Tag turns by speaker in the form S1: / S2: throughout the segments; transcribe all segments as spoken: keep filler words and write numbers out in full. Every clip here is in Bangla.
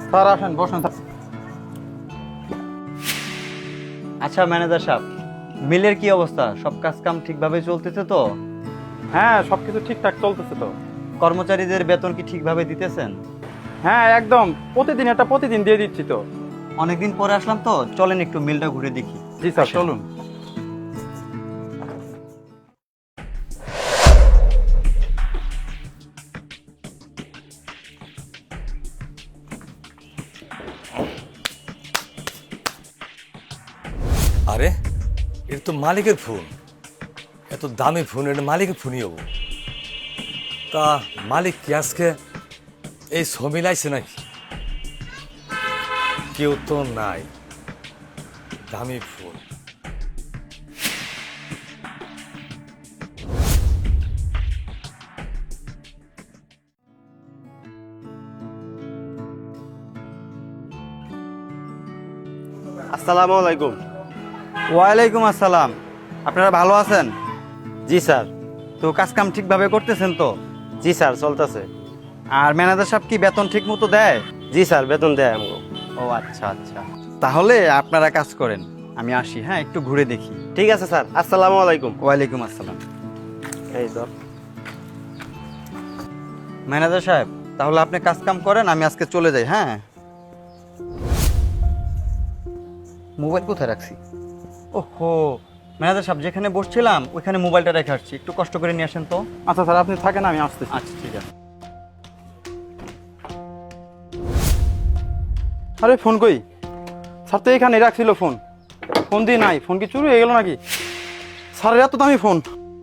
S1: স্যার আসেন, বসেন স্যার।
S2: আচ্ছা ম্যানেজার সাহেব, মিলের কি অবস্থা? সব কাজ কাম ঠিকভাবে চলতেছে তো?
S1: হ্যাঁ, সবকিছু ঠিকঠাক চলতেছে তো।
S2: কর্মচারীদের বেতন কি ঠিকভাবে দিতেছেন?
S1: হ্যাঁ, একদম প্রতিদিন এটা প্রতিদিন দিয়ে দিচ্ছি তো।
S2: অনেকদিন পরে আসলাম তো, চলেন একটু মিলটা ঘুরে দেখি।
S1: জি স্যার,
S2: আসেন।
S1: চলুন।
S3: আরে এটা তো মালিকের ফোন, এত দামি ফোন, এটা মালিকের ফোনই হবো। তা মালিক কি আজকে এই ছবি লাইছে নাকি? কেউ তো নাই, দামি ফোন।
S4: আসসালামু আলাইকুম।
S2: ওয়ালাইকুম আসসালাম। আপনারা ভালো আছেন?
S4: জি স্যার।
S2: তো কাজ কাম ঠিকভাবে করতেছেন তো?
S4: জি স্যার, চলতেছে।
S2: আর ম্যানেজার সাহেব কি বেতন ঠিক মতো দেয়?
S4: জি স্যার, বেতন দেয় আমাকে।
S2: ও আচ্ছা আচ্ছা, তাহলে আপনারা কাজ করেন, আমি আসি। হ্যাঁ, একটু ঘুরে দেখি।
S4: ঠিক আছে স্যার, আসসালামু আলাইকুম।
S2: ওয়ালাইকুম আসসালাম।
S4: এই তো।
S2: ম্যানেজার সাহেব, তাহলে আপনি কাজ কাম করেন, আমি আজকে চলে যাই। হ্যাঁ, মোবাইল কোথায় রাখছি? ওহো, ম্যানেজার সাহেব যেখানে বসছিলাম ওইখানে মোবাইলটা রেখে আসছি, একটু কষ্ট করে নিয়ে আসেন তো।
S1: আচ্ছা স্যার, আপনি থাকেন, আমি আসতেছি।
S2: আচ্ছা ঠিক আছে।
S1: আরে ফোন কই? স্যার তো এখানে রাখছিল ফোন। ফোন দিয়ে নাই, ফোন কি চুরি হয়ে গেল নাকি? স্যারের এত দামি ফোন।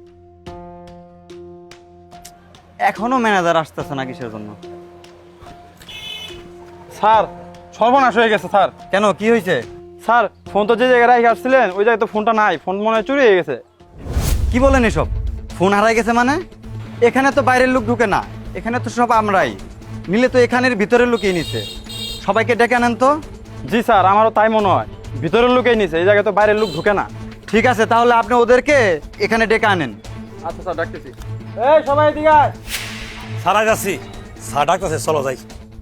S2: এখনো ম্যানেজার আসতেছে না কিসের জন্য?
S1: স্যার, সর্বনাশ হয়ে গেছে স্যার।
S2: কেন, কি হয়েছে?
S1: স্যার, ফোন তো যে জায়গায় রেখে আসছিলেন ওই জায়গায় তো ফোনটা নাই। ফোন মনে হয় চুরি হয়ে গেছে।
S2: কি বলেন এসব? ফোন হারাই গেছে মানে? এখানে তো বাইরের লোক ঢুকে না, এখানে তো সব আমরাই। নিলে তো এখানের ভিতরের লোকই নিছে। সবাইকে ডেকে আনেন তো।
S1: জি স্যার, আমারও তাই মনে হয়। ভিতরের লোকেই নিছে, এই জায়গায় তো বাইরের লোক ঢুকে না।
S2: ঠিক আছে, তাহলে আপনি ওদেরকে এখানে ডেকে আনেন।
S1: আচ্ছা স্যার, ডাকতেছি। এই সবাই এদিকে আয়।
S3: সারা যাচ্ছি, স্যার ডাকতেছে, চলো যাই।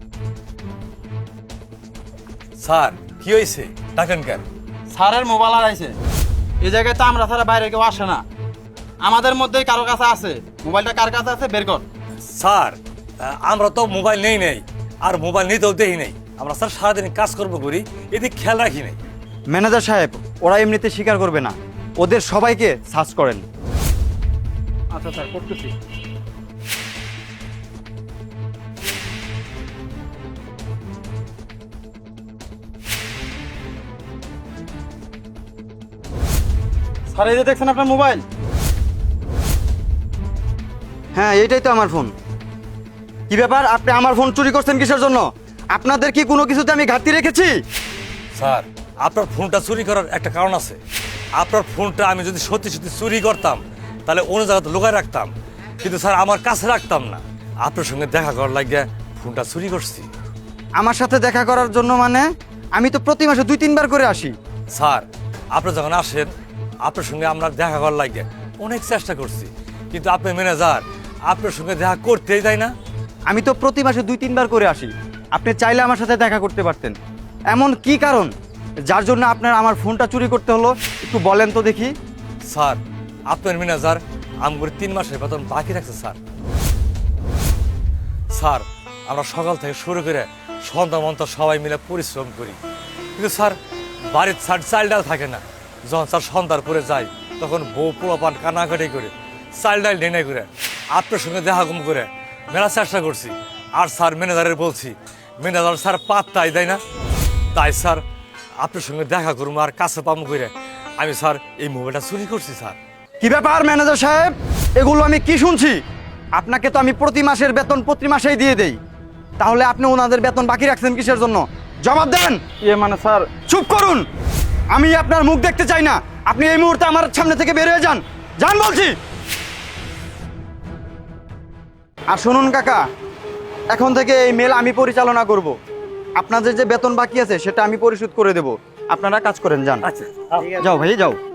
S3: স্যার কি হয়েছে, ডাকেন কেন?
S1: স্যারের মোবাইল হারাইছে। এই জায়গায় তো আমরা ছাড়া বাইরে কেউ আসে না। আমাদের মধ্যেই কারো কাছে আছে। মোবাইলটা কার কাছে আছে বের কর।
S3: স্যার আহ, আমরা তো মোবাইল নেই নেই, আর মোবাইল নিতেও দেই নেই। আমরা স্যার সারাদিন কাজ করবো করি, এদিকে খেয়াল রাখি নাই।
S2: ম্যানেজার সাহেব, ওরা এমনিতে স্বীকার করবে না, ওদের সবাইকে সার্চ করেন।
S1: আচ্ছা স্যার, করতেছি। স্যার, এই যে দেখছেন আপনার মোবাইল।
S2: হ্যাঁ, এইটাই তো আমার ফোন। কি ব্যাপার, আপনি আমার ফোন চুরি করছেন কিসের জন্য? আপনাদের কি কোনো কিছুতে আমি ঘাটতি রেখেছি?
S3: স্যার আপনার ফোনটা চুরি করার একটা কারণ আছে। আপনার ফোনটা আমি যদি সত্যি সত্যি চুরি করতাম তাহলে অন্য জায়গাতে লুকায় রাখতাম, কিন্তু স্যার আমার কাছে রাখতাম না। আপনার সঙ্গে দেখা করার লাগিয়ে ফোনটা চুরি করছি।
S2: আমার সাথে দেখা করার জন্য মানে? আমি তো প্রতি মাসে দুই তিনবার করে আসি।
S3: স্যার আপনি যখন আসেন আপনার সঙ্গে আমরা দেখা করার লাগিয়ে অনেক চেষ্টা করছি, কিন্তু আপনি ম্যানেজার, আপনার সঙ্গে দেখা করতেই দেয় না।
S2: আমি তো প্রতি মাসে দুই তিনবার করে আসি, আপনি চাইলে আমার সাথে দেখা করতে পারতেন। এমন কি কারণ যার জন্য আপনার আমার ফোনটা চুরি করতে হলো, একটু বলেন তো দেখি।
S3: স্যার আপনার ম্যানেজার আমগুলো তিন মাসের বেতন বাকি রাখছে স্যার। স্যার আমরা সকাল থেকে শুরু করে সন্ধ্যা মন্থা সবাই মিলে পরিশ্রম করি, কিন্তু স্যার বাড়ির স্যার চাল ডাল থাকে না। যখন স্যার সন্ধ্যার পরে যায় তখন বউ পোলাপান কানাকাটি করে চাল ডাল ডেনে করে আপনার সঙ্গে দেখা কম করে মেলা চেষ্টা করছি। আর স্যার ম্যানেজারের বলছি, ম্যানেজার স্যার পাত্তাই দেয় না। তাই স্যার আপনার সঙ্গে দেখা করবো আর কাছে পামু করে আমি স্যার এই মোবাইলটা চুরি করছি স্যার।
S2: কি ব্যাপার ম্যানেজার সাহেব, এগুলো আমি কি শুনছি? আপনাকে তো আমি প্রতি মাসের বেতন প্রতি মাসেই দিয়ে দেই, তাহলে আপনি ওনাদের বেতন বাকি রাখছেন কিসের জন্য? জবাব দেন।
S1: ইয়ে মানে স্যার।
S2: চুপ করুন, আমি আপনার মুখ দেখতে চাই না। আপনি এই মুহূর্তে আমার সামনে থেকে বের হয়ে যান, যান বলছি। আর শুনুন কাকা, এখন থেকে এই মেল আমি পরিচালনা করব। আপনাদের যে বেতন বাকি আছে সেটা আমি পরিশোধ করে দেব। আপনারা কাজ করেন, যান।
S3: আচ্ছা
S2: যাও ভাই, যাও।